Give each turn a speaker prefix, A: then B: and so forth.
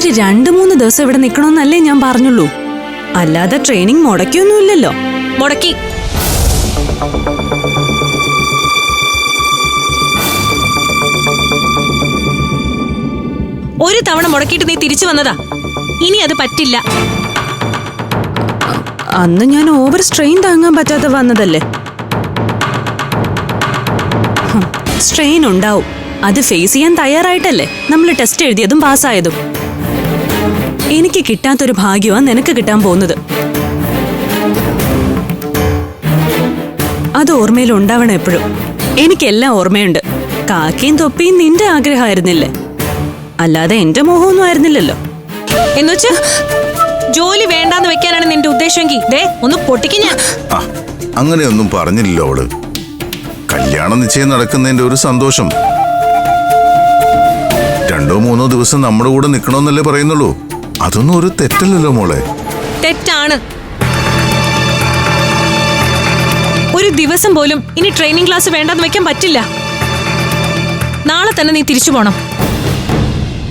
A: ഒരു 2-3 ദിവസം ഇവിടെ നിക്കണമെന്നല്ലേ ഞാൻ പറഞ്ഞുള്ളൂ. അല്ലാതെ ട്രെയിനിങ് മുടക്കിയൊന്നുമില്ലല്ലോ.
B: മുടക്കി. ഒരു തവണ മുടക്കിയിട്ട് നീ തിരിച്ചു വന്നതാ. ഇനി അത് പറ്റില്ല.
A: അന്ന് ഞാൻ ഓവർ സ്ട്രെയിൻ താങ്ങാൻ പറ്റാതെ വന്നതല്ലേ. സ്ട്രെയിൻ ഉണ്ടാവും. അത് ഫേസ് ചെയ്യാൻ തയ്യാറായിട്ടല്ലേ നമ്മൾ ടെസ്റ്റ് എഴുതിയതും പാസ്സായതും. എനിക്ക് കിട്ടാത്തൊരു ഭാഗ്യമാണ് നിനക്ക് കിട്ടാൻ പോകുന്നത്. അത് ഓർമ്മയിൽ ഉണ്ടാവണം എപ്പോഴും. എനിക്കെല്ലാം ഓർമ്മയുണ്ട്. കാക്കയും തൊപ്പിയും നിന്റെ ആഗ്രഹമായിരുന്നില്ലേ, അല്ലാതെ എന്റെ മോഹമൊന്നും ആയിരുന്നില്ലല്ലോ.
B: എന്നുവെച്ച് ജോലി വേണ്ടാന്ന് വെക്കാനാണ് നിന്റെ ഉദ്ദേശമെങ്കിൽ ദേ ഒന്ന് പൊട്ടിക്ക് ഞാൻ.
C: അങ്ങനെയൊന്നും പറഞ്ഞില്ലല്ലോ അവള്. കല്യാണ നിശ്ചയം നടക്കുന്നതിന്റെ ഒരു സന്തോഷം. 2-3 ദിവസം നമ്മുടെ കൂടെ നിക്കണമെന്നല്ലേ പറയുന്നുള്ളൂ. അതൊന്നും ഒരു തെറ്റല്ലല്ലോ മോളെ.
B: തെറ്റാണ്. ഒരു ദിവസം പോലും ഇനി ട്രെയിനിങ് ക്ലാസ് വേണ്ടാന്ന് വെക്കാൻ പറ്റില്ല. നാളെ തന്നെ നീ തിരിച്ചു പോണം.